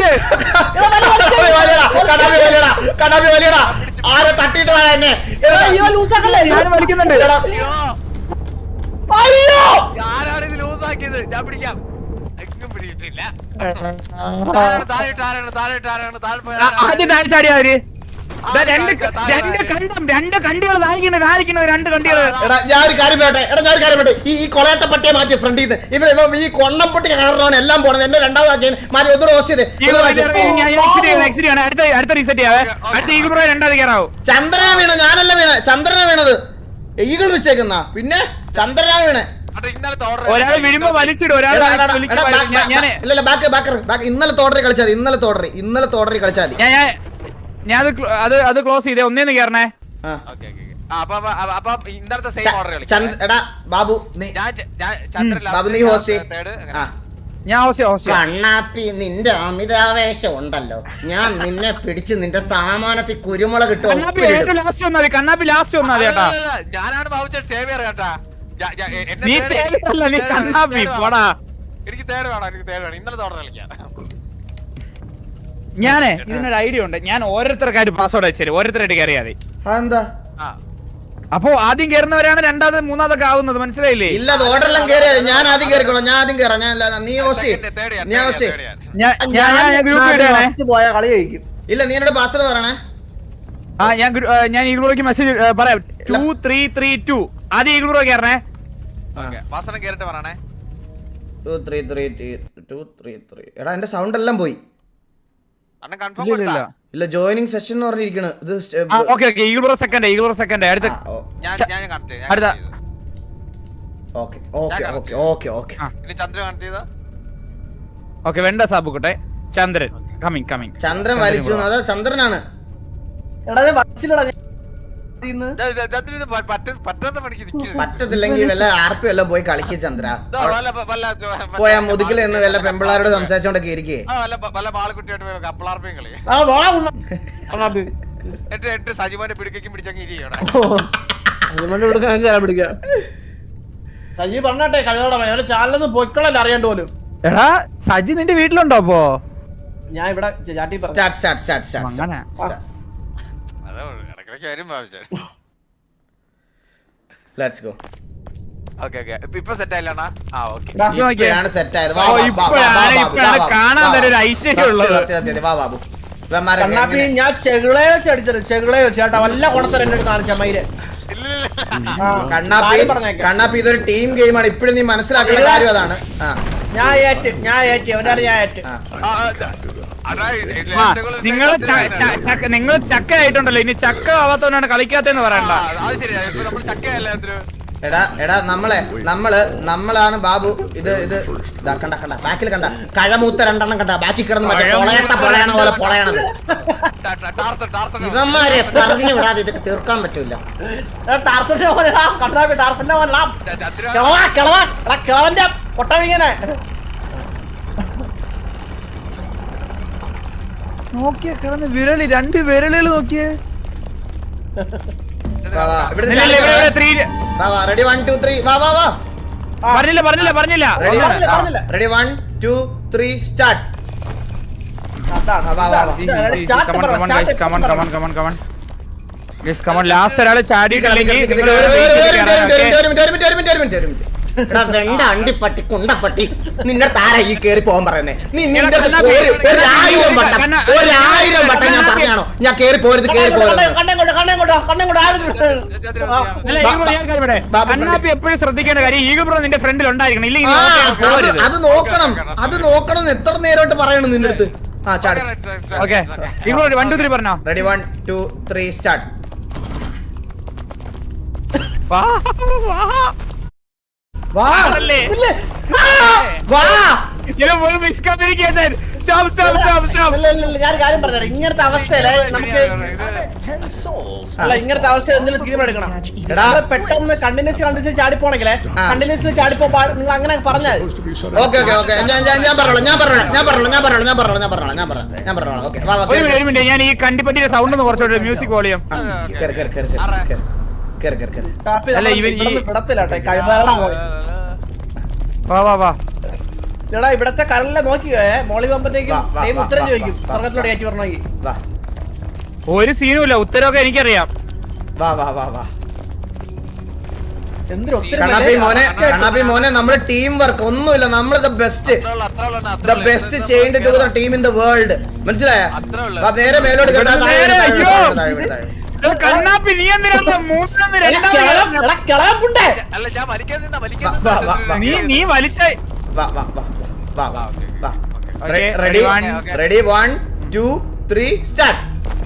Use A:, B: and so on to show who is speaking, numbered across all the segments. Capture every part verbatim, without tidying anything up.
A: വലിക്കുന്നത്
B: ആരെ തട്ടിയിട്ടതാ എന്നെ
A: ഞാൻ വലിക്കുന്നുണ്ട്
C: ആരാണ് ഇത് ലൂസാക്കിയത് ഞാൻ പിടിക്കാം എങ്ങും പിടിയിട്ടില്ല
A: ആദ്യം താഴെ ചാടിയാ അവര് രണ്ട് രണ്ട് കണ്ടം രണ്ട് കണ്ടികൾ കാണിക്കുന്നത് കാണിക്കുന്നത് രണ്ട് കണ്ടികൾ.
B: എടാ ഞാൻ ഒരു കാര്യം പറയട്ടെ എടാ ഞാൻ ഒരു കാര്യം പറയട്ടെ ഈ കൊളയത്തെ പട്ടിയെ മാറ്റി ഫ്രണ്ടിൽ നിന്ന് ഇവിടെ ഈ കൊണ്ണം പൊട്ടി കിണറാണ് എല്ലാം പോണത് എന്നെ രണ്ടാമതാക്കി മാറ്റി ഒന്നുകൂടെ ഹോസ്റ്റ് ചെയ്ത്
A: അടുത്ത റീസെറ്റ് ചെയ്യാവേ അടുത്ത ഈഗിൾ പ്രോ രണ്ടാമത് കയറാവും.
B: ചന്ദ്രനാ വീണ ഞാനല്ല വീണ ചന്ദ്രനാ വീണത് ഈഗിൾ വെച്ചേക്കുന്ന പിന്നെ ചന്ദ്രനാ വീണ
A: ഒരാൾ വീഴുമ്പോ വലിച്ചിടും ഒരാൾ
B: ഇന്നലെ തോടറി കളിച്ചാൽ ഇന്നലെ തോടറി ഇന്നലെ തോടറി കളിച്ചാൽ
A: ഞാൻ അത് അത് ക്ലോസ് ചെയ്തേ ഒന്നേന്ന് കയറണേ.
B: എടാ ബാബു ബാബു നീ ഹോസ്റ്റ്
A: ഞാൻ ഹോസ്റ്റ്
B: കണ്ണാപ്പി നിന്റെ അമിതാവേശം ഉണ്ടല്ലോ ഞാൻ നിന്നെ പിടിച്ച് നിന്റെ സാമാനത്തിൽ കുരുമുളക് കിട്ടും.
A: ലാസ്റ്റ് വന്നാൽ കണ്ണാപ്പി ലാസ്റ്റ് വന്നാൽ കേട്ടാ
C: ഞാനാണ് ഭാവിച്ച സേവിയർ കേട്ടാ
A: കണ്ണാപ്പി പോടാ.
C: എനിക്ക് തേട് വേണം എനിക്ക് തേട് വേണം ഇന്നലെ തോടറി കളിക്കാം.
A: ഞാനേ ഇതിനൊരു ഐഡിയ ഉണ്ട്. ഞാൻ ഓരോരുത്തർക്കായിട്ട് പാസ്വേഡ് അയച്ചു ഓരോരുത്തരായിട്ട് കയറിയാ മതി.
B: എന്താ
A: അപ്പൊ ആദ്യം കയറുന്നവരാണ് രണ്ടാമത് മൂന്നാമതൊക്കെ ആവുന്നത് മനസ്സിലായില്ലേ?
B: ഇല്ല ഓർഡറെല്ലാം കയറിയാ ഞാൻ ആദ്യം കയറിക്കോളാം ഞാൻ ആദ്യം കയറാം ഞാൻ നീ ഹോസ്റ്റ് ഇല്ല നീ എന്നോട് പാസ്വേഡ് പറയണേ.
A: ആ ഞാൻ ഞാൻ ഈഗിളോയ്ക്ക് മെസ്സേജ് പറയാം ടു ത്രീ ത്രീ ടു ആദ്യം ഈഗിളോ കയറണേ.
B: എടാ എന്റെ സൗണ്ട് എല്ലാം പോയി. ഇല്ല ജോയിനിങ് സെഷൻ എന്ന് പറഞ്ഞിരിക്കണ്.
A: ചന്ദ്രൻ കമ്മിങ് കമ്മിങ്
B: ചന്ദ്രൻ വലിച്ചു അതാ ചന്ദ്രനാണ്. പറ്റത്തില്ലെങ്കിൽ വല്ല ആർപ്പി വല്ലതും പോയി കളിക്കും ചന്ദ്ര. പോയാ മുതുകിൽ എന്ന് വല്ല പെമ്പിള്ളാരോട് സംസാരിച്ചോണ്ടൊക്കെ ഇരിക്കേ.
C: സജിമാനെ പിടിക്കും പിടിച്ചങ്ങ്
D: സജി പറഞ്ഞാട്ടെ കഴിയോടെ ചാനലൊന്നും പൊയ്ക്കളല്ല അറിയാണ്ട് പോലും.
A: എടാ സജി നിന്റെ വീട്ടിലുണ്ടോ? അപ്പോ
D: ഞാൻ ഇവിടെ ചാട്ടി
B: ലെറ്റ്സ് ഗോ.
C: ഓക്കേ ഓക്കേ ഇപ്പോ സെറ്റ് ആയില്ലണ. ആ ഓക്കേ
B: ഇപ്പോഴാണ് സെറ്റ് ആയത്.
A: കാണാൻ ഒരു ഐശ്വര്യമുള്ളത്.
B: വാ ബാബു
D: കണ്ണാപ്പി ഞാൻ ചെകിളയെ അടിച്ചത് ചെകിളയോ ചേട്ടാ വല്ല കുണത്തരം എന്നെ കാണിച്ച മയില്.
B: കണ്ണാപ്പി കണ്ണാപ്പി ഇതൊരു ടീം ഗെയിമാണ് ഇപ്പോഴും നീ മനസ്സിലാക്കേണ്ട കാര്യം അതാണ്.
D: ഞാൻ ഏറ്റ് ഞാൻ ഏറ്റ് ഒരാൾ ഞാൻ ഏറ്റ്.
A: നിങ്ങൾ നിങ്ങൾ ചക്ക ആയിട്ടുണ്ടല്ലോ ഇനി ചക്ക ആവാത്തവനാണ് കളിക്കാത്തെന്ന് പറയണ്ട.
B: എടാ എടാ നമ്മളെ നമ്മള് നമ്മളാണ് ബാബു. ഇത് ഇത് കണ്ട കണ്ട ബാക്കിൽ കണ്ട കഴമൂത്ത രണ്ടെണ്ണം കണ്ട ബാക്കി കിടന്ന് മറ്റേ പൊളയട്ട പൊളയണ പോലെ പൊളയണത്. ഇവന്മാരെ പറഞ്ഞു വിടാതെ ഇതൊക്കെ തീർക്കാൻ പറ്റൂല.
A: നോക്കിയേ കിടന്ന് വിരളി രണ്ട് വിരലുകൾ നോക്കിയേ.
B: റെഡി വൺ ടു ത്രീ വാ വാ വാ.
A: പറഞ്ഞില്ല പറഞ്ഞില്ല പറഞ്ഞില്ല
B: ready one two three start.
A: Last ഒരാള് ചാടിയിട്ടില്ലെങ്കിൽ
B: വെണ്ട അണ്ടിപ്പട്ടി കുണ്ടപ്പട്ടി നിന്റെ താര ഈ കേറി പോകാൻ പറയുന്നേ. നീ നിന്റെ ഒരായിരം വട്ടം ഒരായിരം വട്ടം ഞാൻ പറഞ്ഞാണോ ഞാൻ കേറി പോരുത് കേറി പോരുത്.
A: എപ്പോഴും ശ്രദ്ധിക്കേണ്ട കാര്യം ഈഗിൾ ബ്രോ നിന്റെ ഫ്രണ്ടിൽ ഉണ്ടായിരിക്കണം ഇല്ലെങ്കിൽ
B: അത് നോക്കണം അത് നോക്കണം എത്ര നേരമായിട്ട് പറയണം നിന്റെ അടുത്ത്. ആ ചാടി.
A: Okay eagle bro one two three പറഞ്ഞോ.
B: Ready one two three start.
A: വാ വാ
B: വാ വാ
D: ഇങ്ങനത്തെ അവസ്ഥയില് നമുക്ക് അല്ല ഇങ്ങനത്തെ അവസ്ഥ എന്തെങ്കിലും തീരുമാനിക്കണം. പെട്ടെന്ന് കണ്ടിന്യൂസ് കണ്ടിന്യൂസ് ചാടിപ്പോണെങ്കിലേ കണ്ടിന്യൂസ് ചാടിപ്പോ നിങ്ങൾ അങ്ങനെ പറഞ്ഞാൽ
B: ഓക്കെ ഓക്കെ ഓക്കെ ഞാൻ പറഞ്ഞോളാം ഞാൻ പറഞ്ഞോളാം ഞാൻ പറഞ്ഞോളാം ഞാൻ പറഞ്ഞോളാം ഞാൻ പറഞ്ഞോളാം ഞാൻ പറഞ്ഞോളാം ഞാൻ പറഞ്ഞോളാം ഞാൻ പറഞ്ഞോളാം ഓക്കെ.
A: ഞാൻ ഈ കണ്ടിപ്പറ്റിയുടെ സൗണ്ട് ഒന്ന് കുറച്ചോട്ടെ മ്യൂസിക് വോളിയം.
D: അല്ല ഇവൻ ഈ
A: വാ വാ വാ
D: എടാ ഇവിടത്തെ കടലിലെ നോക്കിയോ മോളി പോകുമ്പോഴത്തേക്കും
B: വാ, വാ,
D: സെയിം
B: വാ,
D: ഉത്തരം
B: വാ,
D: ചോദിക്കും
B: വാ,
D: സ്വർഗത്തിലോട്ട് കയറ്റി പറഞ്ഞെങ്കിൽ
B: വാ
A: ഒരു സീനുമില്ല, ഉത്തരവൊക്കെ എനിക്കറിയാം.
B: വാ വാ വാ വാ
D: എന്തൊരു
B: കണ്ണാപ്പി മോനെ കണ്ണാപ്പി മോനെ നമ്മള് ടീം വർക്ക് ഒന്നുമില്ല, നമ്മള് the best the best change to the team in the world, മനസ്സിലായോ? വാ, നേരെ മേലോട്ട് കേട്ടോ.
A: നേരെ, അയ്യോ. ഇത് കണ്ണാപ്പി നീ എന്തിനാ മൂന്നെന്ന് രണ്ടാമത്
D: കിളാപ്പുണ്ടേ
C: അല്ല ഞാൻ വലിക്കാൻ നിന്നാ വലിക്കാൻ
B: വാ, വാ, വാ,
A: നീ നീ വലിച്ച
B: വാ വാ വാ വാ വാ വാ
A: Okay,
B: ready
A: one,
B: ready one two three start.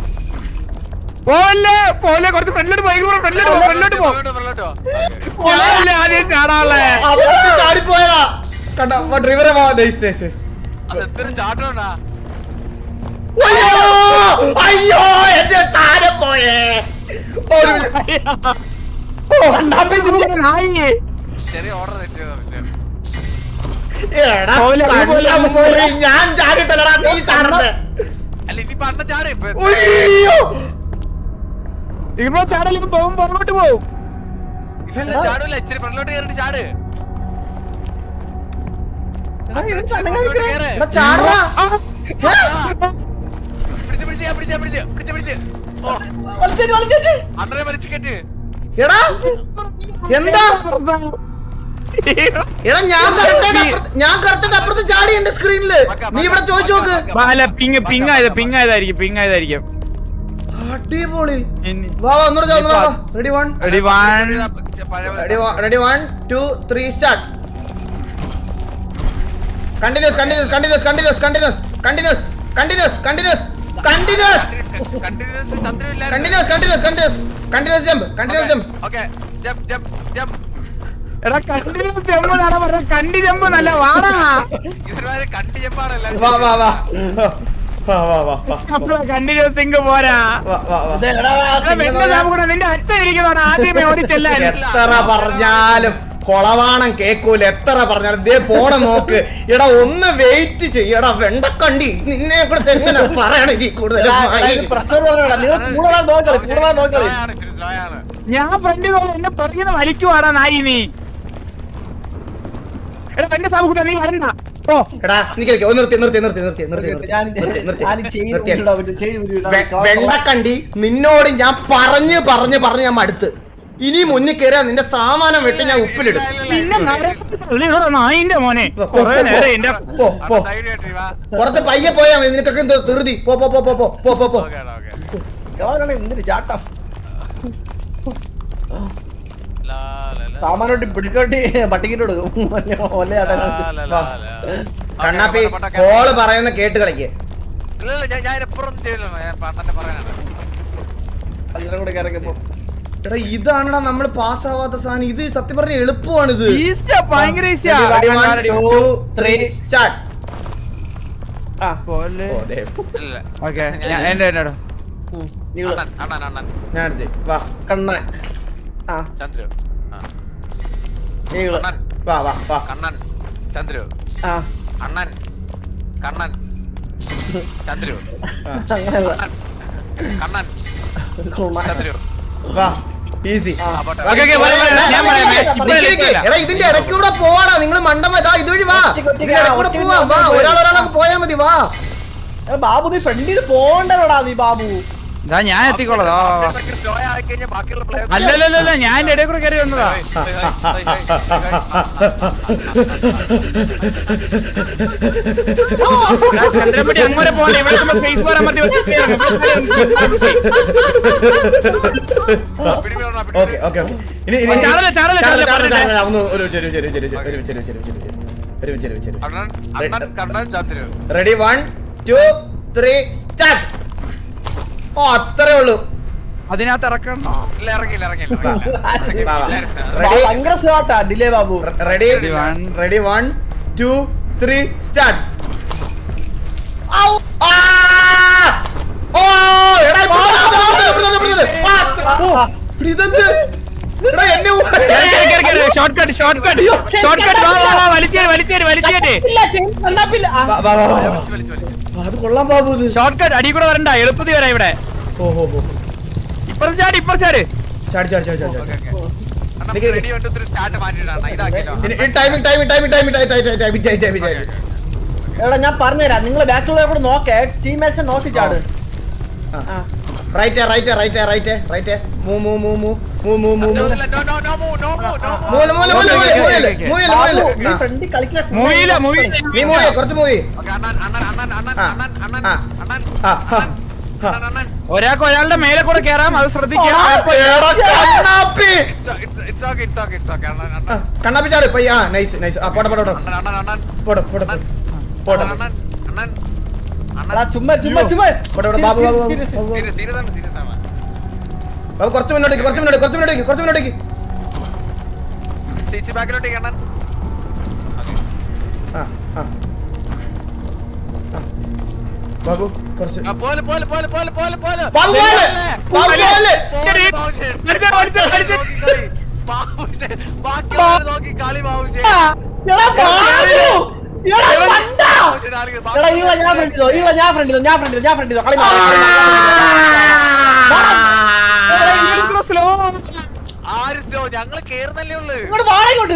A: പോലെ പോലെ കുറച്ച് ഫ്രണ്ടിലോട്ട് പോയി, ഫ്രണ്ടിലോട്ട് പോ, ഫ്രണ്ടിലോട്ട് പോ. പോലല്ലേ ആദ്യം ചാടാളെ.
B: അവർക്ക് ചാടിപ്പോയതാ കണ്ട ഡ്രൈവറെ. വാ, നൈസ് നൈസ് നൈസ്.
C: അത് എത്ര ചാട്ടോണ്ടാ
B: അയ്യോ അയ്യോ എന്റെ സാധനം പോയേ. ഒരു മിനിറ്റ്. ഓ,
C: ചെറിയ ഓർഡർ തെറ്റിയതാ
B: എടാ,
A: പോലെ,
B: കണ്ണം പോയി. ഞാൻ ചാടിട്ടല്ലടാ, നീ ചാടണ്ടേ.
C: അല്ല ഇനി പണ്ട ചാട്
B: അയ്യോ
A: ഇപ്പൊ ചാടലും പോകും, പുറകോട്ട് പോവും.
C: ചാടൂല ഇച്ചിരി ഫ്രണ്ടിലോട്ട് കയറിട്ട് ചാട്
B: എടാ, ചാടടാ.
C: പിടിച്ച് പിടിച്ച് പിടിച്ച് പിടിച്ച് പിടിച്ച് പിടിച്ച് ഓ അണ്ടറെ വലിച്ചു കെട്ട്
B: എടാ എന്താ എടാ ഞാൻ കറക്റ്റ് ഞാൻ കറക്റ്റ് അപ്പുറത്ത് ചാടി എന്റെ സ്ക്രീനില്. നീ ഇവിടെ ചോദിച്ചു നോക്ക്.
A: അല്ല പിങ് പിങ് ആയത് പിങ് ആയതായിരിക്കും പിങ് ആയതായിരിക്കും.
B: അടിപൊളി. വാ വാ ഒന്നുകൂടെ ഒന്ന് വാ. Ready one
A: ready one
B: ready ready one two three start. Continuous continuous continuous continuous continuous continuous continuous continuous continuous
C: continuous ചന്ദ്രനില്ല
B: continuous continuous continuous continuous jump continuous jump.
C: Okay jump jump jump
A: എടാ continuous jump എന്നാണ് പറഞ്ഞത്, കണ്ടി jump നല്ല വാടാ.
C: ഇതിന് കണ്ടി ജമ്പാണല്ലോ
B: വാ വാ വാ വാ വാ വാ വാ
A: കണ്ടിന്യൂസ് സിംഗ് പോരാ.
B: വാ വാ വാ.
A: എടാ, വെണ്ട സാബുകൂടെ നിന്റെ അച്ഛൻ ഇരിക്കുന്നതാണ് ആദ്യമേ ഓടി ചെല്ലാൻ.
B: എത്ര പറഞ്ഞാലും കൊളവാണം കേക്കൂല, എത്ര പറഞ്ഞാലും ദേ പോണ നോക്ക്. എടാ ഒന്ന് വെയിറ്റ് ചെയ്യടാ വെണ്ടക്കണ്ടി, നിന്നെ ഇവിടുത്തെ എങ്ങനെ പറയണെങ്കിൽ കൂടുതലും
D: പ്രശ്നം നിങ്ങൾ കൂടുതലാ നോക്കളി കൂടുതലാ നോക്കളി
C: ആണ് ഇച്ചിരി ദ്രോയാണ്
A: ഞാൻ ഫ്രണ്ട് എന്നെ പറയുന്ന വലിക്കുവാടാ നായി നീ. എടാ വെണ്ട സാബുകൂടെ നീ വരണ്ട. ഓ
B: എടാ നിക്ക് നിക്ക്, ഒന്ന് നിർത്തി നിർത്തി നിർത്തി നിർത്തി നിർത്തി
D: ഞാൻ
B: നിർത്തി നിർത്തി
D: ഞാൻ
B: നിർത്തി
D: ചെയ്ത്
B: നിർത്തി
D: വിടാൻ പറ്റും, ചെയ്ത് വിടാൻ
B: വെ- വെണ്ടക്കണ്ടി നിന്നോട് ഞാൻ പറഞ്ഞ് പറഞ്ഞ് പറഞ്ഞ് ഞാൻ മടുത്ത്. ഇനി മുന്നിൽ കയറിയാ നിന്റെ സാമാനം വെട്ടി ഞാൻ ഉപ്പിലിടും.
A: പിന്നെ നരകത്തിലുള്ള നായിന്റെ മോനെ കൊറേ നേരം എന്റെ
B: പോ പോ
C: ധൈര്യമായിട്ട് വാ
B: കുറച്ച് പയ്യെ പോയാ മതി, നിനക്കൊക്കെ എന്തോ ധൃതി. പോ പോ പോ പോ പോ പോ പോ പോ.
C: ഓക്കേ ഓക്കേ
D: കളാണ് എന്തൊരു ചാട്ടം
C: ലാ ലാ ലാ
D: സാമാനോട്ട് പിടിച്ചോട്ടി പട്ടിക്കിട്ട് കൊടുക്കും ഒല്ലേ
C: ലാ,
D: ചാട്ടം
C: ലാ, ലാ, ലാ.
B: കണ്ണാപ്പി
C: ഓക്കേ, പോട്ടെ,
B: കോള് പറയുന്ന കേട്ട് കളിക്ക്.
C: ഇല്ല ഇല്ല ഞാൻ ഞാൻ എപ്പോഴും ചെയ്യില്ല, ഞാൻ പണ്ടന്നെ പറയാനാണ്
D: അതിനെ കൂടെ കയറിയപ്പോ
B: എടാ ഇതാണെടാ നമ്മൾ പാസ്സാവാത്ത സാധനം. ഇത് സത്യം പറഞ്ഞ എളുപ്പമാണ് ഇത്.
A: ഈസിയാ, ഭയങ്കര ഈസിയാ.
B: Ready, one, two, three, start.
D: ആ
A: പോലെ.
B: ഓ, ദേ.
C: ഇല്ല
A: ഓക്കേ, ഞാൻ എന്റെ എന്നോട്
D: നീള്
C: അണ്ണൻ അണ്ണൻ അണ്ണൻ
B: ഞാൻ എടുത്ത്. വാ
D: കണ്ണൻ ആ
C: ചന്ദ്രു ആ
D: നീള്
C: കണ്ണൻ
B: വാ വാ വാ.
C: കണ്ണൻ ചന്ദ്രു
D: ആ
C: അണ്ണൻ കണ്ണൻ ചന്ദ്രു
D: അങ്ങനെയുള്ള
C: കണ്ണൻ ചന്ദ്രു
B: വാ ഈസി.
C: ആ പോട്ടെ
A: ഓക്കേ, ഓക്കേ, വരാം, വരാം, ഞാൻ പറയാം, ഇപ്പൊ ഇല്ല.
B: എടാ ഇതിന്റെ ഇടയ്ക്കൂടെ പോവാടാ നിങ്ങൾ മണ്ടം. ഇതാ ഇതുവഴി വാ.
D: ഒറ്റയ്ക്ക്
B: ഇതിന്റെ ഇടയ്ക്കൂടെ
D: ഒറ്റയ്ക്ക്
B: പോവാ. വാ ഒരാൾ ഒരാളൊക്കെ പോയാ മതി. വാ
D: എടാ, ബാബു നീ ഫ്രണ്ടിൽ പോണ്ടടാ നീ ബാബു
A: ഇതാ ഞാൻ എത്തിക്കോളാം. ദാ, വാ, വാ.
C: സ്ലോ ആയി കഴിഞ്ഞാൽ ബാക്കിയുള്ള പ്ലേയേഴ്സ്
A: അല്ലല്ലല്ല ഞാൻ എന്റെ ഇടയിൽ കൂടെ കയറി വന്നതാ. ഞാൻ ചന്ദ്രൻപടി അങ്ങോട്ട് പോലെ ഇവിടെ സ്പേസ് പോരാൻ മതി.
B: Okay okay okay. ഇനി ഇനി
A: ചാടല, ചാടല,
B: ചാടല,
A: ചാടല,
B: ചാടല, ചാടല. ഒന്ന് ഒരു ഒരു ഒരു ഒരു ഒരു ഒരു ഒരു ഒരു ഒരു ഒരു ഒരുമിച്ച് ഒരുമിച്ച് ഒരുമിച്ച്.
C: അണ്ണൻ അണ്ണൻ Kannan Chandru
B: ready one two three start. ഓ അത്രേ ഉള്ളൂ.
A: അതിനകത്ത് ഇറക്കണം.
C: ഇല്ല ഇറങ്ങിയില്ല ഇറങ്ങിയില്ല ഇറങ്ങിയില്ല.
B: വാ, വാ.
D: ബാ-
B: റെഡി
D: ഭയങ്കര സ്ലോട്ടാ delay Babu
B: ready
A: one.
B: Ready one two three start. ഓ എടാ ഇപ്പുറത്ത്, ഇപ്പുറത്ത്, ഇപ്പുറത്ത്, ഇപ്പുറത്ത്, ഇപ്പുറത്ത്. ആ, അത്ര- ഓ, എടാ, ഇതെന്ത്? എടാ, എന്നെ ഊ-
A: shortcut shortcut shortcut. വാ വാ വാ വലിച്ചേര് വലിച്ചേര് വലിച്ചേര്.
D: ഇല്ല ചെയ്ത് കണ്ണാപ്പില്ല ആ,
B: വാ, വാ, വാ, വാ.
C: വലിച്ച് വലിച്ച് വലിച്ച്.
B: ആ, അത് കൊള്ളാം ബാബു ഇത്.
A: ഷോർട്ട് കട്ട് അടി കൂടെ വരണ്ട, എളുപ്പത്തിൽ വരാം ഇവിടെ.
B: ഓ ഹോ ഹോ.
A: ഇപ്പുറത്ത് ചാടി ഇപ്പുറത്ത് ചാട്.
B: ചാടി ചാടി ചാടി ചാടി ചാടി.
C: Okay, okay. Ready one two three start മാറ്റിയിട്ടാണ് ഇതാക്കിയല്ലോ.
B: Timing timing timing timing timing timing timing
D: എടാ ഞാൻ പറഞ്ഞുതരാം, നിങ്ങൾ ബാക്കിലുള്ള കൂടെ നോക്കേ, ടീംമേറ്റ്സ് നോക്കി ചാട്.
B: Right right right right right മൂ മൂ മൂ മൂ മൂ മൂ മൂ
C: no no no no no no no
B: മൂല മൂല മൂല മൂല മൂല മൂല
D: നീ ഫ്രണ്ടി കളിക്കണ
A: മൂവിയില്ല മൂവി
B: നീ മൂവി കുറച്ച് മൂവി
C: ഓക്കേ അണ്ണൻ അണ്ണൻ അണ്ണൻ അണ്ണൻ അണ്ണൻ അണ്ണൻ അണ്ണൻ
B: ആ
C: അണ്ണൻ അണ്ണൻ
A: ഒരാൾക്ക് ഒരാളുടെ മേലെ കൂടെ കേറാം, അത് ശ്രദ്ധിക്കാം.
B: കണ്ണാപ്പി
C: it's okay it's okay it's okay അണ്ണൻ അണ്ണൻ
B: കണ്ണാപ്പി ചാട് പയ്യ. ആ നൈസ് നൈസ്. ആ പോട്ടെ പോട്ടെ പോട്ടെ
C: അണ്ണൻ അണ്ണൻ അണ്ണൻ
B: പോട്ടെ പോട്ടെ പോട്ടെ
C: അണ്ണൻ അണ്ണൻ
D: എടാ ചുമ്മാ ചുമ്മാ ചുമ്മാ
B: പോട്ടെ പോട്ടെ ബാബു ബാബു ബാബു
C: സീരിയസ് സീരിയസ് ആണ് സീരിയസ് ആണ്.
B: ബാബു കുറച്ച് മുന്നോട്ടേക്ക് കുറച്ച് മുന്നോട്ട് കുറച്ച് മുന്നോട്ടേക്ക് കുറച്ച് മുന്നോട്ടേക്ക്.
C: ചേച്ചി ബാക്കിലോട്ടേക്ക് അണ്ണൻ. ഓക്കേ
B: ആ ആ ബാബു കുറച്ച്
C: ആ പോലെ പോലെ പോലെ പോലെ പോലെ പോലെ
B: ബാബു പോലെ ബാബു പോലെ
C: ബാക്കി നോക്കി കളി ബാബുജി.
D: എടാ ബാബു എടാ പണ്ട എടാ ഇവ ഞാൻ ഫ്രണ്ട് ചെയ്തോ ഇവ ഞാൻ ഫ്രണ്ട് ചെയ്തോ ഞാൻ ഫ്രണ്ട് ചെയ്തോ ഞാൻ ഫ്രണ്ട് ചെയ്തോ കളി
A: സ്ലോ
C: ആര് സ്ലോ ഞങ്ങള് കേറുന്നല്ലേ ഉള്ളു.
D: ഇങ്ങോട്ട് വാടകോട്ട്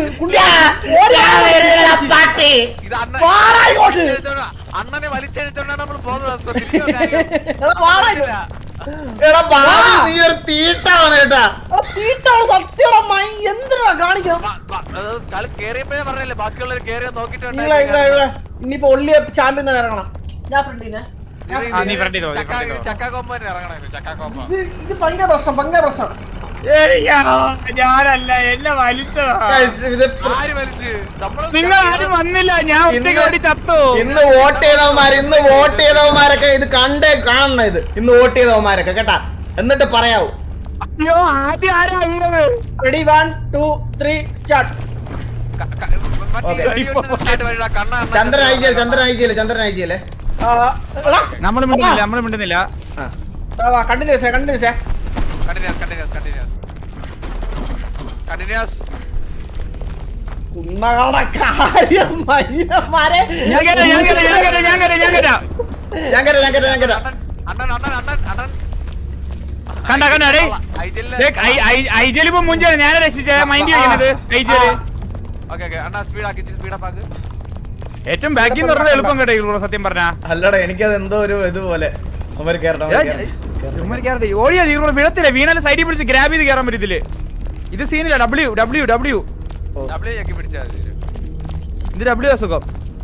B: പാട്ടി
C: ഇത് അണ്ണൻ
D: വാടായിക്കോട്ട്.
C: അണ്ണനെ വലിച്ചെഴുത്തോണ്ടാണ് നമ്മൾ പോകുന്നത്.
D: എടാ വാടക
B: എടാ ബാബു നീ ഒരു തീട്ടാണ് കേട്ടാ.
D: തീട്ടാണ് സത്യമാ മൈ എന്തിനാ കാണിക്കാം.
C: കളി കേറിയപ്പോഴേ പറഞ്ഞല്ലേ ബാക്കിയുള്ളവർ കേറിയ നോക്കിട്ടുണ്ട്.
D: ഇനിയിപ്പോ ഒള്ളിയ ചാമ്പ്യൻ ഇറങ്ങണം. ഞാൻ ഫ്രണ്ടിനെ
A: ആ, നീ front ചെയ്തോ, നീ front ചെയ്തോ.
C: ചക്ക കോമ്പന് ഇറങ്ങണം. ചക്ക കോമ്പ
D: ഇത് ഭയങ്കര പ്രശ്നം ഭയങ്കര പ്രശ്നം.
A: ഞാനല്ല എന്നെ വലിച്ചതാ.
B: ഇത്
C: ആര് വലിച്ച് നമ്മള്
A: നിങ്ങൾ ആരും വന്നില്ല, ഞാൻ ഒറ്റയ്ക്ക് ഓടി ചത്തു.
B: ഇന്ന് വോട്ട് ചെയ്തവന്മാര് ഇന്ന് വോട്ട് ചെയ്തവന്മാരൊക്കെ ഇത് കണ്ടേ കാണണം. ഇത് ഇന്ന് വോട്ട് ചെയ്തവന്മാരൊക്കെ കേട്ടാ, എന്നിട്ട് പറയാവൂ.
A: അയ്യോ ആദ്യം ആരാ വീണത്?
D: Ready one two three start.
C: ക- ക- മറ്റേ
B: Okay.
C: വെടി വെട്ടുന്ന side വഴിടാ. കണ്ണ അണ്ണൻ
B: ചന്ദ്രൻ അയച്ചില്ല ചന്ദ്രൻ അയച്ചില്ല ചന്ദ്രൻ അയച്ചില്ലേ.
A: നമ്മൾ മിണ്ടുന്നില്ല നമ്മൾ മിണ്ടുന്നില്ല
D: continuous continuous
C: Continuous, continuous, continuous. Continuous.
D: ഉണ്ണകളുടെ കാര്യം മയ്യന്മാരെ.
A: ഞാൻ കേട്ടാ ഞാൻ കേട്ടാ ഞാൻ കേട്ടാ ഞാൻ കേട്ടാ ഞാൻ കേട്ടാ
B: ഞാൻ കേട്ടാ ഞാൻ കേട്ടാ ഞാൻ കേട്ടാ.
C: അണ്ണൻ അണ്ണൻ അണ്ണൻ അണ്ണൻ
A: കണ്ട കണ്ട ഡേ ഐജൽ ഇപ്പൊ മുഞ്ചാണ് ഞാനെ രക്ഷിച്ച മൈൻഡ് ചെയ്യുന്നത് ഐജല്.
C: ഓക്കേ ഓക്കേ അണ്ണാ സ്പീഡ് ആക്കി സ്പീഡ് അപ്പ് ആക്ക്.
A: ഏറ്റവും ബാക്കിൽ നിന്ന് പറഞ്ഞത് എളുപ്പം കേട്ടോ ഇവിടെ സത്യം പറഞ്ഞാ.
B: അല്ലടാ എനിക്കത് എന്തോ ഒരു ഇതുപോലെ അവര് കേറണം
A: ഓടിയാ വിടത്തില്ല, വീണാലും സൈഡിൽ പിടിച്ച് ഗ്രാബ് ചെയ്ത് കയറാൻ പറ്റത്തില്ല. ഇത് സീനില്ല. ഡബ്ല്യു ഡബ്ല്യു ഡബ്ല്യു
C: ഡബ്ല്യൂ ഞെക്കി പിടിച്ചാൽ മതി.
A: ഇത് ഡബ്ല്യു അസുഖം.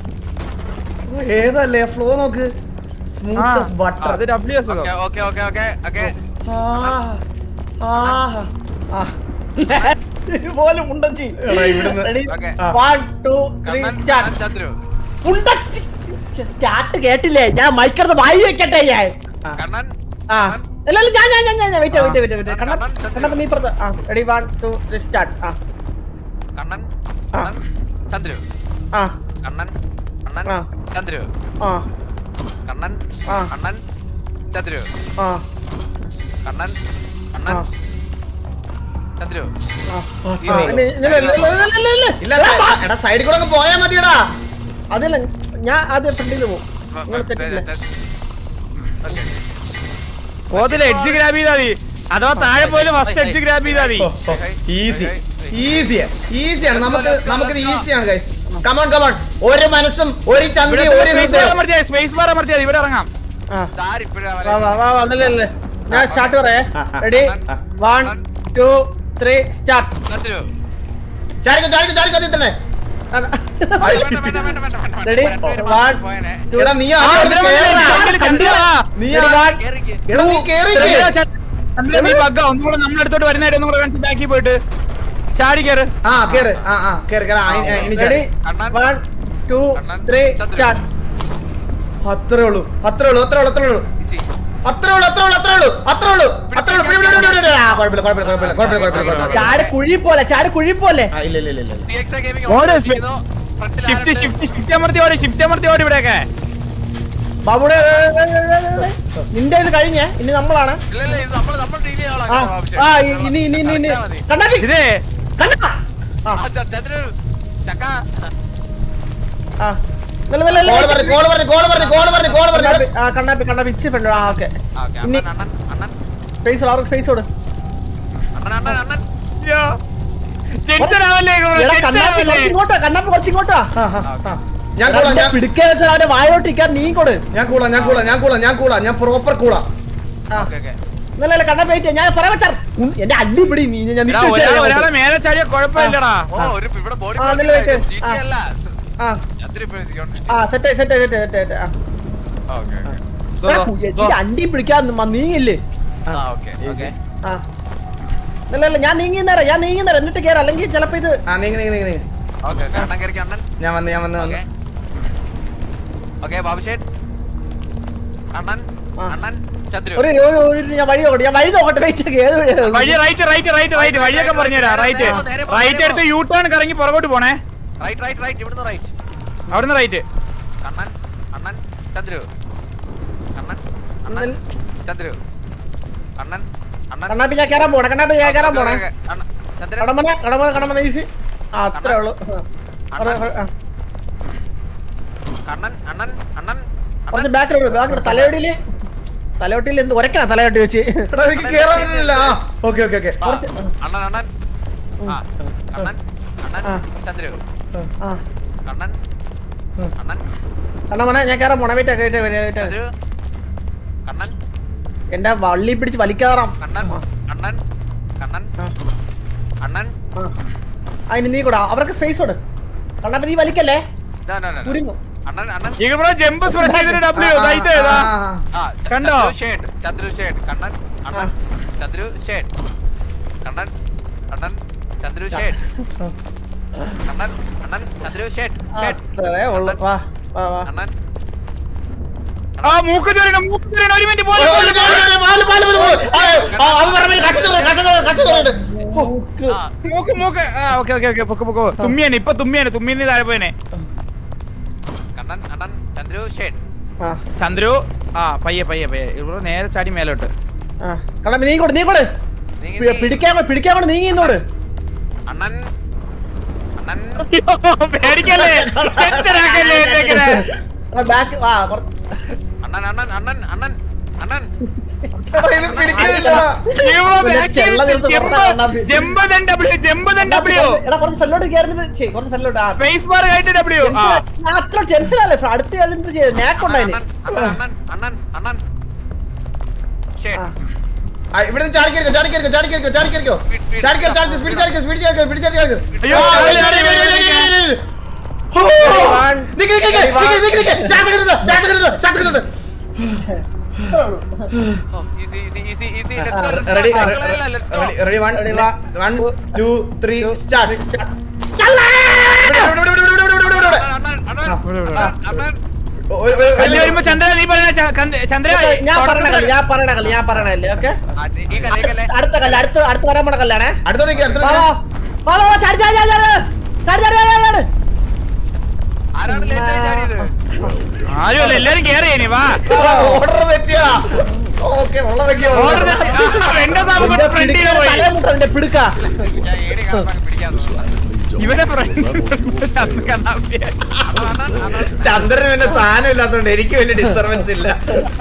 B: ഏതല്ലേ ഫ്ലോ നോക്ക്.
A: ആ,
B: സ്മൂത്ത് ബട്ടർ.
A: അത് ഡബ്ല്യു അസുഖം.
C: Okay okay okay okay okay
D: പോലും ഉണ്ടച്ചി.
B: എടാ ഇവിടുന്ന്
D: Ready?
C: Okay.
D: One, two, three,
C: Kannan
D: start.
C: Chandru
D: ഉണ്ടച്ചി. സ്റ്റാർട്ട് കേട്ടില്ലേ? ഞാൻ മൈക്കടുത്ത് വായി വെക്കട്ടെ ഞാൻ.
C: കണ്ണൻ
D: ആ അല്ല അല്ല ഞാൻ ഞാൻ ഞാൻ ഞാൻ വെയിറ്റ് വെയിറ്റ് വെയിറ്റ് വെയിറ്റ് കണ്ണ
C: കണ്ണൻ, ചന്ദ്രു.
D: കണ്ണ നീ പുറത്ത്. ആ ready one two three start. ആ
C: കണ്ണൻ
D: ആ.
C: കണ്ണൻ ചന്ദ്രു
D: ആ
C: കണ്ണൻ അണ്ണൻ
D: ആ.
C: ചന്ദ്രു
D: ആ
C: കണ്ണൻ
D: ആ.
C: അണ്ണൻ ചന്ദ്രു
D: ആ
C: കണ്ണൻ അണ്ണൻ
D: ആ.
C: ചന്ദ്രു
D: ആ.
C: ഈ
D: ആ,
C: റോഡ്.
D: ഇല്ല, ഇല്ല, ഇല്ല, ഇല്ല, ഇല്ല, ഇല്ല, ഇല്ല.
B: ഇല്ല സൈ- എടാ സൈഡിൽ കൂടെ അങ്ങ് പോയാ മതിയടാ.
D: അതല്ല ഞാൻ ആദ്യം ഫ്രണ്ടിൽ പോകും. നിങ്ങൾ തെറ്റില്ല.
C: ഓക്കേ
A: ഓതില് എഡ്ജ് ഗ്രാബ് ചെയ്താ മതി, അഥവാ താഴെ പോയാലും ഫസ്റ്റ് എഡ്ജ് ഗ്രാബ് ചെയ്താ മതി.
B: ഈസി ഈസിയാ ഈസിയാണ്. നമുക്ക് നമുക്കിത് ഈസിയാണ് ഗൈസ്. Come on come on. ഒരു മനസ്സും ഒരു ചന്ദ്രി ഒരു
A: സ്പേസ് ബാർ
B: ഹൃദയം.
A: അമർത്തിയാ സ്പേസ് ബാർ അമർത്തിയാ ഇവിടെ ഇറങ്ങാം.
D: ആ
C: താരിപ്പഴാ
D: വാ വാ വാ വാ അല്ലേ അല്ലേ ഞാൻ സ്റ്റാർട്ട് പറയേ.
B: ആ, ആ.
D: Ready one two three start.
C: Chandru
B: ചാടിക്കോ ചാടിക്കോ ചാടിക്കോ അതിൽ തന്നെ.
C: വേണ്ട വേണ്ട വേണ്ട വേണ്ട വേണ്ട
D: റെഡി വൺ
C: പോയനെ
D: ടു
B: എടാ നീ
A: ആ,
B: ആദ്യം
A: ഇതിലെ
B: കേറടാ.
A: ചന്ദ്രൻ കണ്ടില്ലടാ.
B: നീ
D: Ready,
B: ആ-
D: one,
C: കേറിക്ക്
B: എടാ നീ കേറി
A: ചന്ദ്രൻ, ചന്ദ്രൻ നീ ബഗ്ഗാ. ഒന്നും കൂടെ നമ്മുടെ അടുത്തോട്ട് വരുന്നതായിട്ട് ഒന്നും കൂടെ കാണിച്ച് ബാക്കി പോയിട്ട് ചാടി കയറ്.
B: ആ കേറ്. ആ ആ കേറ് കേറ്. ആ, ഇ- ഇനി ചാടി.
D: ready
C: Kannan.
D: one two
C: Kannan.
D: three
C: ചന്ദ്രൻ.
D: start.
B: അത്രേ ഉള്ളൂ അത്രേ ഉള്ളൂ അത്രേ ഉള്ളൂ അത്രേ ഉള്ളൂ
C: ഈസി
B: അത്രേ ഉള്ളൂ അത്രേ ഉള്ളൂ അത്രേ ഉള്ളൂ അത്രേ ഉള്ളൂ അത്രേ ഉള്ളൂ. പിടി, പിടി, പിടി, പിടി, പിടി. ആ, കുഴപ്പമില്ല കുഴപ്പമില്ല കുഴപ്പമില്ല കുഴപ്പമില്ല കുഴപ്പമില്ല കുഴപ്പമില്ല.
D: ചാടി കുഴി പോലെ ചാടി കുഴി പോലെ.
B: ആ, ഇല്ല ഇല്ല ഇല്ല ഇല്ല.
C: ടിഎക്സ് ഗെയിമിംഗ്
A: ഓടെ
C: ഓൺ
A: സ്പീ-
C: ചെയ്യുന്നു ഫ്രണ്ടിൽ
A: ഷിഫ്റ്റ് ഷിഫ്റ്റ് ഷിഫ്റ്റ് അമർത്തി ഓടി ഷിഫ്റ്റ് അമർത്തി ഓടി ഇവിടെയൊക്കെ.
D: ബാബുടെ നിന്റെ ഇത് കഴിഞ്ഞേ ഇനി നമ്മളാണ്.
C: ഇല്ല ഇല്ല ഇത് നമ്മൾ നമ്മൾ ഡീൽ
D: ആ
C: ചെയ്യാനുള്ള
D: ആ ഇനി ഇനി ഇനി ഇനി കണ്ണാപ്പി
A: ഇതേ
D: കണ്ണാ. ആ
C: ചന്ദ്രു ചക്ക
D: ആ നല്ല നല്ല
B: കോള് പറഞ്ഞു കോള് പറഞ്ഞു കോള് പറഞ്ഞു കോള് പറഞ്ഞു കോള് പറഞ്ഞു.
D: കണ്ണാപ്പി ആ കണ്ണാപ്പി കണ്ണാപ്പി ഇച്ചി ഫ്രണ്ട്. ആ ഓക്കെ
C: ഓക്കേ
D: ഇനി
C: അണ്ണൻ അണ്ണൻ അണ്ണൻ
D: സ്പേസ് അവർക്ക് സ്പേസ് കൊടു.
C: അണ്ണൻ അണ്ണൻ അണ്ണൻ
A: അയ്യോ. ടെൻഷൻ ആവല്ലേ
D: എടാ, കണ്ണാപ്പി കുറച്ച് ഇങ്ങോട്ടാ കണ്ണാപ്പി കുറച്ച് ഇങ്ങോട്ടാ
B: ആ, ആ, ആ. ഞാൻ കൂളാ ഞാൻ
D: പിടിക്കാൻ വെച്ചാൽ അവന്റെ വായോട്ടിരിക്കാൻ നീ കൊടു
B: ഞാൻ കൂളാ ഞാൻ കൂളാ ഞാൻ കൂളാ ഞാൻ കൂളാ ഞാൻ പ്രോപ്പർ കൂളാ
C: ഓക്കേ ഓക്കേ
D: ഇന്നലെ കണ്ണാപ്പി വെയിറ്റ് ഞാൻ പറയാൻ വെച്ചാൽ എന്റെ അടി പിടി നീ ഞാൻ നിക്ക് വെച്ച് തരാം.
A: ഒരാളെ മേലെ ചാടിയ കുഴപ്പമില്ലടാ.
C: ഓ ഒരു ഇവിടെ ബോഡി
D: ആ, നില്ല വെയിറ്റ്.
C: ജിടി അല്ല
D: ആ
C: ചന്ദ്രു ഇപ്പോ സിക്യൂരിറ്റി
D: ആ സെറ്റ് സെറ്റ് സെറ്റ് സെറ്റ് ആ
C: ഓക്കേ ഓക്കേ
A: ദോ, ദോ.
D: ഈ അണ്ടി പിടിക്കാൻ മ- നീങ്ങില്ലേ
C: ആ ഓക്കേ ഓക്കേ
D: ആ ഇല്ല ഇല്ല ഞാൻ നീങ്ങി നേരം ഞാൻ നീങ്ങി നേരം എന്നിട്ട് കേറാം അല്ലെങ്കിൽ ചിലപ്പോ ഇത്
B: ആ നീങ്ങ നീങ്ങ നീങ്ങ നീങ്ങ
C: ഓക്കേ അണ്ണൻ കേറിക്ക് അണ്ണൻ
B: ഞാൻ വന്ന് ഞാൻ വന്ന് വന്ന്
C: ഓക്കേ ഓക്കേ ബാബുശേട്ട് അണ്ണൻ
D: ആ.
C: അണ്ണൻ ചന്ദ്രു
D: ഒരു ഒരു- ഒരു- ഞാൻ വഴി നോക്കട്ടെ ഞാൻ വഴി നോക്കട്ടെ വെയിറ്റ് ഏത് വഴിയാ?
A: വഴി റൈറ്റ് റൈറ്റ് റൈറ്റ് റൈറ്റ് വഴിയൊക്കെ പറഞ്ഞുതരാം. റൈറ്റ് റൈറ്റ് എടുത്ത് യൂ ടേൺ കറങ്ങി പുറകോട്ട് പോണേ.
C: റൈറ്റ് റൈറ്റ് റൈറ്റ് ഇവിടുന്ന് റൈറ്റ്
A: അവിടുന്ന് റൈറ്റ്.
C: അണ്ണൻ അണ്ണൻ ചന്ദ്രു അണ്ണൻ അണ്ണൻ ചന്ദ്രു അണ്ണൻ അണ്ണൻ
D: കണ്ണാപ്പി ഞാൻ കയറാൻ പോണേ കണ്ണാപ്പി ഞാൻ കയറാൻ പോണേ
C: ഓക്കേ, ഓക്കേ. അണ്ണൻ ചന്ദ്രു
D: കടമന കടമന കടമന ഈസി ആ അത്രേ ഉള്ളൂ ആ. അവിടെ- അവിടെ- ആ.
C: അണ്ണൻ അണ്ണൻ അണ്ണൻ
D: കുറച്ച്
C: അണ്ണൻ
D: ബാക്കിലോട്ട് ബാക്കിലോട്ട് തലയോട്ടിയില് തലയോട്ടിയിൽ എന്ത് ഉരക്കണം തലയോട്ടി വെച്ച്
B: എടാ എനിക്ക് കേറാൻ പറ്റുന്നില്ല ആ ഓക്കേ ഓക്കേ ഓക്കേ
C: ആ, അണ്ണൻ അണ്ണൻ ആ അണ്ണൻ അണ്ണൻ
D: ആ.
C: ചന്ദ്രു
D: ആ
C: അണ്ണൻ അണ്ണൻ
D: കണ്ണമന ഞാൻ കയറാൻ പോണേ വെയിറ്റ് വെയിറ്റ് വെയിറ്റ്
C: ചന്ദ്രു അണ്ണൻ
D: എന്റെ വള്ളി പിടിച്ച് വലിക്കാറാം
C: അണ്ണൻ അണ്ണൻ അണ്ണൻ
D: ആ.
C: അണ്ണൻ
D: ആ. അതിന് നീ കൂടാ അവർക്ക് സ്പേസ് കൊടു കണ്ണാപ്പി നീ വലിക്കല്ലേ
C: നോ നോ നോ
D: കുരുങ്ങും
C: അണ്ണൻ അണ്ണൻ
A: ഈ ബ്രോ ജമ്പ് പ്രസ് ചെയ്തിട്ട് ഡബ്ല്യു റൈറ്റ് ഏതാ?
C: ആ
A: കണ്ടോ?
C: ചന്ദ്രു ഷേഡ് ചന്ദ്രു ഷേഡ് കണ്ണൻ അണ്ണൻ ചന്ദ്രു ഷേഡ് കണ്ണൻ അണ്ണൻ ചന്ദ്രു ഷേഡ് കണ്ണൻ അണ്ണൻ ചന്ദ്രു ഷേഡ് ഷേഡ്
D: അത്രേ ഉള്ളു വാ വാ വാ
C: അണ്ണൻ
A: ആ മൂക്ക് ചൊരിയണം മൂക്ക് ചൊരിയണം. ഒരു മിനിറ്റ് പോലെ
C: ആ
A: മൂക്ക് മൂക്ക് ആ ഓക്കെ ഓക്കെ ഓക്കെ പൊക്ക് പൊക്കോ. തുമ്മിയാണ് ഇപ്പൊ തുമ്മിയാണ് തുമ്മിന് താഴെ പോയനെ.
C: കണ്ണൻ അണ്ണൻ ചന്ദ്രു ഷേഡ്
D: ആ
A: ചന്ദ്രു ആ പയ്യെ പയ്യെ പയ്യെ ഇവിടെ നേരെ ചാടി മേലോട്ട്.
D: ആ കണ്ണാപ്പി നീ കൂടെ നീ കൂടെ
C: നീങ്ങി,
D: പി-
C: നീങ്ങി.
D: പിടിക്കാൻ കൊണ്ട്- പിടിക്കാൻ കൊണ്ട് നീങ്ങി ഇന്നോട്
C: അണ്ണൻ അണ്ണൻ
A: പേടിക്കല്ലേ ടെൻഷൻ ആക്കല്ലേ ഇങ്ങനെ.
D: ബാക്ക് ആ കുറച്ച്
C: അണ്ണൻ അണ്ണൻ അണ്ണൻ അണ്ണൻ അണ്ണൻ
B: ഇത് പിടിക്കുന്നില്ലടാ
A: ഇവ back
D: ചെള്ള
A: ചെയ്ത്
D: നിർത്ത്
A: ജമ്പ്
D: പറഞ്ഞാ Kannappi.
A: Jump then W jump then W
D: എടാ കുറച്ച് സ്ഥലോട്ട് കയറുന്നത് ചെയ്യ് കുറച്ച് സ്ഥലോട്ട് ആ
A: സ്പേസ് ബാർ കഴിഞ്ഞിട്ട് W ആ
D: ഞാൻ അത്ര ടെൻഷനല്ലേ അടുത്ത എന്ത് ചെയ്ത് നേക്കുണ്ടായിന്
C: അണ്ണൻ അണ്ണൻ അണ്ണൻ അണ്ണൻ ഷേഡ്
B: ആ ഇവിടെ നിന്ന് ചാടി കേറിക്കോ ചാടി കേറിക്കോ ചാടി കേറിക്കോ ചാടി കേറിക്കോ ചാടി കേറി ചാടി സ്പീഡ് ചാടി സ്പീഡ് ചാടി സ്പീഡ് ചാടി ചാടി
A: അയ്യോ,
B: നിക്ക് നിക്ക് നിക്ക് നിക്ക് നിക്ക് ശ്വാസം കിട്ടുന്നു ശ്വാസം കിട്ടുന്നു ശ്വാസം കിട്ടുന്നു
C: easy easy easy easy
B: ready ready ready one one two three start
A: കല്ല് വരുമ്പോ ചന്ദ്ര നീ പറയുന്ന ച- കന്ത്- ചന്ദ്ര
D: ഞാൻ പറയണ കല്ല് ഞാൻ പറയണ കല്ല് ഞാൻ പറയണ കല്ല് ഓക്കെ അടുത്ത കല്ല് അടുത്ത അടുത്ത് വരാൻ പോണ കല്ലാണേ
B: അടുത്തോടേക്ക്
D: വാ
B: അടുത്തോടേക്ക്
D: വാ വാ വാ ചാടി ചാടി ചാടി ചാടി ചാടി ചാടി ചാടി ചാടി
C: ആരാണ് ലേറ്റ് ആയി ചാടിയത്
A: ആരുമല്ല എല്ലാരും കേറി ഇനി വാ
B: ഓർഡർ തെറ്റിയാ ഓക്കെ ഉള്ളതൊക്കെ
A: ഓർഡർ എന്റെ സാബ് ഫ്രണ്ടില് പോയി
D: തലേ മുട്ട പിടുക്ക
C: ഞാൻ ഏടി കാണാൻ പിടിക്കാൻ
A: ഇവന്റെ ഫ്രണ്ട് ചന്ദ്ര കണ്ണാപ്പിയാ.
B: ചന്ദ്രന് പിന്നെ സാധനം ഇല്ലാത്തോണ്ട് എനിക്ക് വലിയ ഡിസ്റ്റർബൻസ് ഇല്ല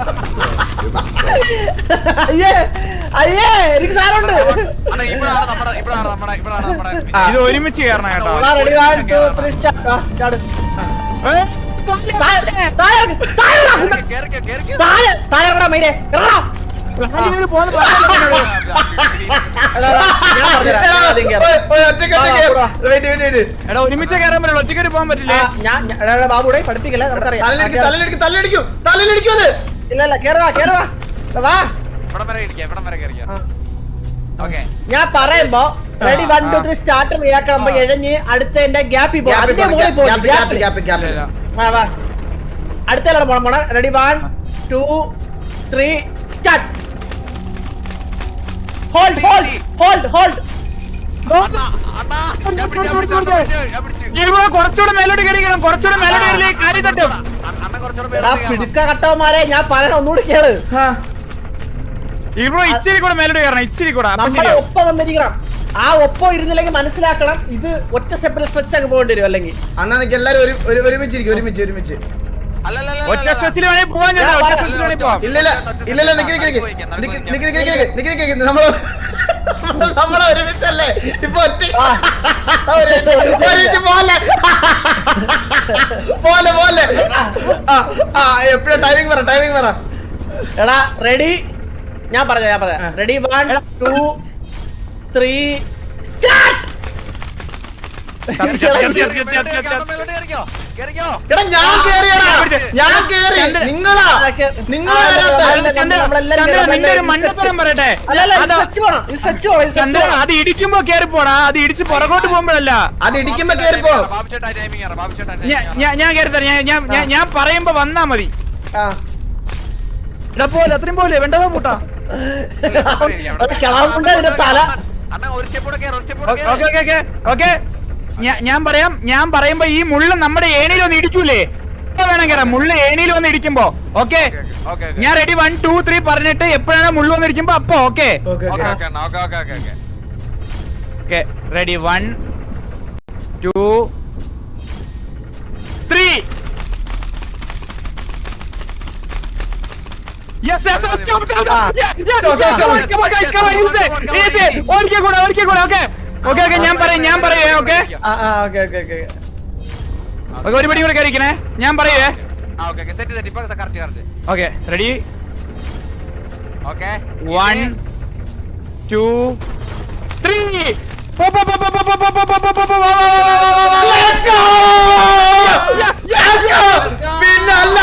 D: അയ്യേ അയ്യേ എനിക്ക് സാധനമുണ്ട്
C: അണ്ണാ ഇവിടാണ് നമ്മുടെ ഇവിടാണ് നമ്മുടെ ഇവിടാണ് നമ്മുടെ
A: ഇത് ഒരുമിച്ച് കയറണം കേട്ടോ.
D: Ready one two three start ചാട്
A: ഏ?
D: താഴെ താഴെ ഇറങ്ങ്, താഴെ ഇറങ്ങ്.
C: കേറിക്കോ കേറിക്കോ
D: താഴെ താഴെ ഇറങ്ങടാ മൈനെ ഇറങ്ങടാ
A: പ്ലാനിങ്ങിന് പോകുന്ന പറഞ്ഞിട്ടുണ്ടോ?
D: എടാ, എടാ, ഞാൻ പറഞ്ഞുതരാം. ഞാൻ ആദ്യം കേറാം.
B: ഒറ്റയ്ക്ക് ഒറ്റയ്ക്ക് വെയിറ്റ് വെയിറ്റ് വെയിറ്റ്
A: എടാ ഒരുമിച്ച് കയറാൻ പറ്റുള്ളൂ ഒറ്റയ്ക്ക് പോകാൻ
D: ആ,
A: പറ്റില്ലേ?
D: ഞാൻ ഞാൻ- എടാ, എടാ, ബാബുടെ പഠിപ്പിക്കല്ലേ നമുക്കറിയാം ആ,
B: തലയിടിക്കും
D: കേറ്.
B: തലയിടിക്കും തലയിടിക്കും തലയിടിക്കും അത്
D: ഇല്ല ഇല്ല കേറുവാ കേറുവാ എടാ, വാ
C: ഇവിടം വരെ ഇരിക്കാം ഇവിടം വരെ കയറിക്കാം
D: ആ.
C: ഓക്കെ
D: ഞാൻ പറയുമ്പോ ready one two three start റിയാക്കുമ്പോ എഴഞ്ഞ് അടുത്ത എന്റെ ഗ്യാപ്പിൽ പോകും അതിന്റെ മുകളിൽ പോകും
B: ഗ്യാപ്പ് ഗ്യാപ്പ് ഗ്യാപ്പ് ഗ്യാപ്പ്
D: വാ വാ അടുത്ത പോണം പോണം ready one two three start hold hold hold hold
C: അണ്ണാ അണ്ണാ ഞാൻ പിടിച്ചു ഞാൻ പിടിച്ചു ഞാൻ പിടിച്ചു
A: ഇവിടെ കുറച്ചുകൂടെ മേലോട്ട് കയറിക്കണം കുറച്ചുകൂടെ മേലോട്ട് കയറില്ലേ കാര്യം തട്ടും.
C: അണ്ണൻ കുറച്ചുകൂടെ
D: എടാ
C: പേര്
D: പിടുക്ക കട്ടവന്മാരെ ഞാൻ പറയണ ഒന്നുകൂടി കേള്
A: ഇവിടെ ഇച്ചിരി കൂടെ മേലോട്ട് കയറണം ഇച്ചിരി കൂടെ അപ്പൊ
D: നമ്മുടെ
A: ശരിയാവും.
D: ഒപ്പം വന്നിരിക്കണം ആ ഒപ്പം ഇരുന്നില്ലെങ്കിൽ മനസ്സിലാക്കണം ഇത് ഒറ്റ സ്റ്റെപ്പിൽ സ്ട്രെച്ച് അങ്ങ് പോകേണ്ടി വരും അല്ലെങ്കിൽ
B: അണ്ണാ നിനക്ക് എല്ലാരും ഒരു ഒരു- ഒരുമിച്ചിരിക്കും ഒരുമിച്ച് ഒരുമിച്ച്
C: അല്ലല്ല
A: ഒറ്റ സ്ട്രെച്ചിൽ വേണേ പോവാൻ ചേട്ടാ ഒറ്റ സ്ട്രെച്ചിൽ വേണേ പോവാം.
B: ഇല്ല ഇല്ല ഇല്ല ഇല്ല നിക്ക് നിക്ക് നിക്ക് നിക്ക് നിക്ക് നിക്ക് നിക്ക് നിക്ക് നമ്മള് നമ്മളെ ഒരുമിച്ചല്ലേ ഇപ്പൊ ഒറ്റ പോലെ പോലെ പോലെ എപ്പോഴും ടൈമിംഗ് പറ ടൈമിംഗ് പറ.
D: എടാ റെഡി, ഞാൻ പറഞ്ഞ ഞാൻ പറയാം. Ready, one two three start.
B: എടാ ഞാൻ കേറിയടാ, ഞാൻ കേറി, നിങ്ങളാ നിങ്ങളാ
A: മണ്ടപ്പുറം പറയട്ടെ.
D: അല്ല അല്ല ഇത് സച്ച് വേണം, ഇത് സച്ച് വേണം, ഇത് സച്ച്
A: ചന്ദ്ര
D: വേണം.
A: അത് ഇടിക്കുമ്പോ കേറി പോടാ, അത് ഇടിച്ച് പുറകോട്ട് പോകുമ്പോഴല്ല.
B: അത് ഇടിക്കുമ്പോ കേറിപ്പോ.
A: ഞാ- ഞാൻ ഞാൻ കേറി തരാം. ഞാൻ- ഞാൻ ഞാൻ- ഞാൻ പറയുമ്പോ വന്നാ മതി.
D: ആ.
A: എടാ പോലെ അത്രയും പോലെ വേണ്ടതാ കൂട്ടാ.
D: അത് കിളവുണ്ട് ഇതിന്റെ തല.
A: ഓക്കെ ഓക്കെ ഓക്കെ ഓക്കെ ഞാൻ പറയാം. ഞാൻ പറയുമ്പോ ഈ മുള്ള നമ്മുടെ ഏണിയിൽ വന്ന് ഇടിക്കൂലേ? ഇപ്പൊ വേണം കേറാം. മുള്ള ഏണിയിൽ വന്ന് ഇടിക്കുമ്പോ ഓക്കെ. ഞാൻ റെഡി, വൺ ടു ത്രീ പറഞ്ഞിട്ട് എപ്പോഴാണ് മുള്ള വന്ന് ഇടിക്കുമ്പോ അപ്പൊ okay okay. Ready, one two three. Yes, yes, yes, stop, stop, stop. Yeah, yeah,
B: Stop, stop, stop.
A: come on, come on, guys, come on, easy, easy. ഒരിക്കൽ കൂടെ, ഒരിക്കൽ കൂടെ, okay, okay, okay. ഞാൻ പറയാം, ഞാൻ പറയാം, okay,
D: ആ ആ ഓക്കെ ഓക്കെ ഓക്കെ.
A: okay. ഒരു പടി കൂടെ കയറിക്കണേ, ഞാൻ പറയുവേ. Okay, ready? One, two, three. പോ, പോ, പോ, പോ, പോ, പോ, പോ, പോ, പോ, പോ, പോ, പോ, വാ, വാ, വാ, വാ, വാ, വാ, വാ.
B: Let's go! Let's go! പിന്നല്ല.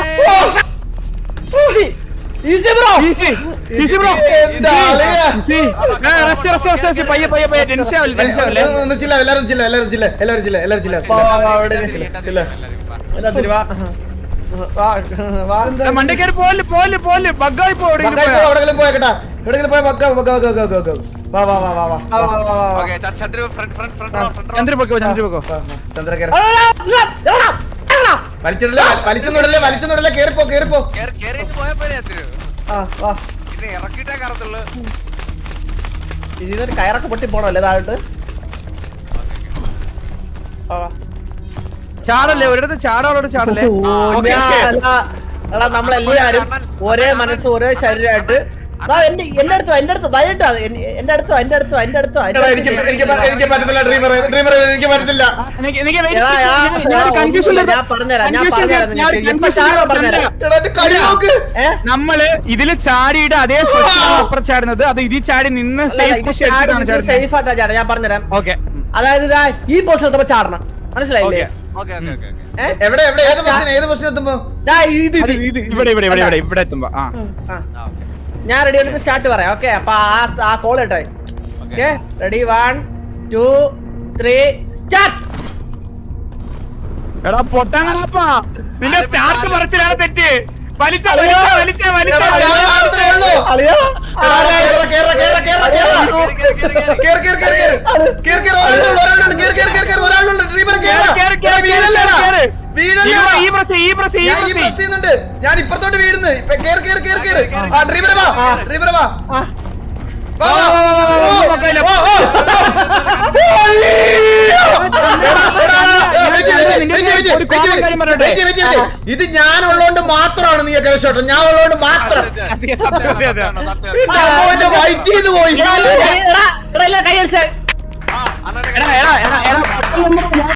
D: Easy bro.
A: Easy, easy, bro.
B: എന്താ ആളിയാ?
A: Easy. ഏ, rest, rest, rest, rest. പയ്യെ, പയ്യെ, പയ്യെ. Tension ആവില്ല, tension ആവില്ലേ?
B: ഒന്ന് ചില്ല, എല്ലാരും ചില്ല, എല്ലാരും ചില്ല, എല്ലാരും ചില്ല, എല്ലാരും ചില്ല.
D: വാ വാ വാ അവിടെ ഇല്ല. എന്താ തിരി വാ. വാ വാ.
A: ഏ, മണ്ടേ കയറി പോവല്ലേ, പോവല്ലേ, പോവല്ലേ. ബഗ്ഗായി പോ, എവിടെയെങ്കിലും
B: മക്കളെ
A: പോയാ.
B: പോ, എവിടെങ്കിലും പോയേക്കട്ടാ, എവിടെങ്കിലും പോയ മക്ക മക്ക മക്ക മക്ക മക്ക. വാ വാ വാ വാ വാ.
D: വാ വാ വാ വാ.
A: ചന്ദ്ര പൊക്കോ, ചന്ദ്ര പൊക്കോ.
B: ചന്ദ്ര കേറ.
D: അല്ല, അല്ല, അല്ല, അല്ല.
B: വലിച്ചിടല്ലേ, വലിച്ചൊന്നുടല്ലേ, വലിച്ചൊന്നുടല്ലേ, കേറിപ്പോ, കേറിപ്പോ.
D: ആ വാ.
C: ഇറക്കിട്ടേ കറത്തുള്ളൂ.
D: ഇതിനൊരു കയറൊക്കെ പൊട്ടി പോണല്ലേ താഴോട്ട്. ആ വാ.
A: ചാടല്ലേ, ഒരിടത്ത് ചാടാളോട് ചാടല്ലേ.
D: ഓ,
A: ഓക്കേ,
D: ഞാൻ
A: ഓക്കേ.
D: അല്ല. എടാ നമ്മളെല്ലാരും ഒരേ മനസ്സ് ഒരേ ശരീരമായിട്ട് ദാ എന്റെ എന്റെ അടുത്തോ എന്റെ അടുത്തോ ദയട്ടോ എന്റെ അടുത്തോ എന്റെ അടുത്തോ എന്റെ അടുത്തോ
B: എടാ, എനിക്ക് എനിക്ക് പ- എനിക്ക് പറ്റത്തില്ല ഡ്രീമർ, ഡ്രീമർ എനിക്ക് പറ്റത്തില്ല.
A: എനിക്ക് എനിക്ക് wait
D: എടാ,
A: ചെയ്യ്.
D: ഞാൻ-
A: ഞാൻ- ഞാൻ
D: ഞാൻ
A: confusion
D: ഒന്നുമില്ല,
A: ല്
D: ഞാൻ പറഞ്ഞുതരാം, ഞാൻ
A: confusion ല്
D: പറഞ്ഞുതരാം
A: ഞാൻ
D: നിനക്ക്.
A: confusion
D: ഇപ്പൊ ചാടാൻ
A: ല്
D: പറഞ്ഞുതരാം.
A: ചന്ദ്ര.
B: എടാ, എന്റെ കളി നോക്ക്.
D: ഏ?
A: നമ്മള് ഇതില് ചാടിയിട്ട് അതേ അപ്പുറം ചാടുന്നത്, അത് ഇതിൽ ചാടി നിന്ന് സേഫ് പൊസിഷൻ എടുത്തിട്ടാണ് ചാടുന്നത്.
D: സേഫ് ആയിട്ടാ ചാടാ, ഞാൻ പറഞ്ഞുതരാം.
A: ഓക്കെ
D: അതായത് ഇതാ ഈ പൊസിഷൻ എത്തുമ്പോ ചാടണം, മനസ്സിലായില്ലേ?
C: ഓക്കെ ഓക്കെ ഓക്കെ
D: ഏ?
B: എവിടെ എവിടെ ഏത് പൊസിഷൻ ഏത് പൊസിഷൻ എത്തുമ്പോ?
D: ദാ ഇത് ഇത് ഇത് ഇത്.
A: ഇവിടെ ഇവിടെ ഇവിടെ ഇവിടെ ഇവിടെ എത്തുമ്പോ ആ
D: ആ. ഞാൻ റെഡി ആയിട്ട് സ്റ്റാർട്ട് പറയാം. ഓക്കെ, അപ്പൊ ആ ആ കോൾ കേട്ടോ. Okay, ready, one two three start.
A: എടാ പൊട്ടാങ്ങപ്പാ, നിന്റെ സ്റ്റാർട്ട് പറിച്ചിലാണ് തെറ്റ്. വലിച്ച വലിച്ച വലിച്ച വലിച്ച
B: എടാ, ഞാൻ മാത്രമേ ഉള്ളൂ.
D: അളിയാ
B: എടാ, കേറ്, കേറ്, കേറ്, കേറ്, കേറ്. കേറ്, കേറ്, കേറ്, കേറ്. കേറ്, കേറ്, ഒരാളുണ്ട്, ഒരാളുണ്ട്, കേറ്, കേറ്, കേറ്, കേറ്, ഒരാളുണ്ട്. ഡ്രീമർ കേറ്.
A: കേറ്, കേറ്, കേറ്,
B: വീഴല്ലേടാ.
A: കേറ്.
B: വീഴല്ലേടാ.
A: ഈ പ്രസ് ഈ പ്രസ് ഈ
B: ഞാൻ ഈ
A: പ്രസ്
B: പ്രസ് ചെയ്യുന്നുണ്ട്. ഞാൻ ഇപ്പുറത്തോട്ട് വീഴുന്നു. ഇപ്പൊ കേറ്, കേറ്, കേറ്, കേറ്. ആ, ഡ്രീമർ വാ, ഡ്രീമർ വാ. വാ, വാ, വാ, വാ, വാ, വാ, മക്കളെ. ഓ, ഓ. അയ്യോ. എടാ, എടാ, എടാ, വെച്ച്, വെച്ച്, വെച്ച്, വെച്ച്, വെച്ച്, വെച്ച്, വെച്ച്, വെച്ച്. ഇത് ഞാൻ ഉള്ളോണ്ട് മാത്രമാണ് നീ കേട്ടോ, ഞാൻ ഉള്ളോണ്ട് മാത്രം.
A: അതെ, സത്യം, അതെ, അതെ.
B: അമ്മോ, എന്റെ വൈറ്റ് ചെയ്ത് പോയി.
D: എടാ എടാ എടാ കൈ അടിച്ചേ.
C: ആ അണ്ണനെ
A: എടാ എടാ എടാ എടാ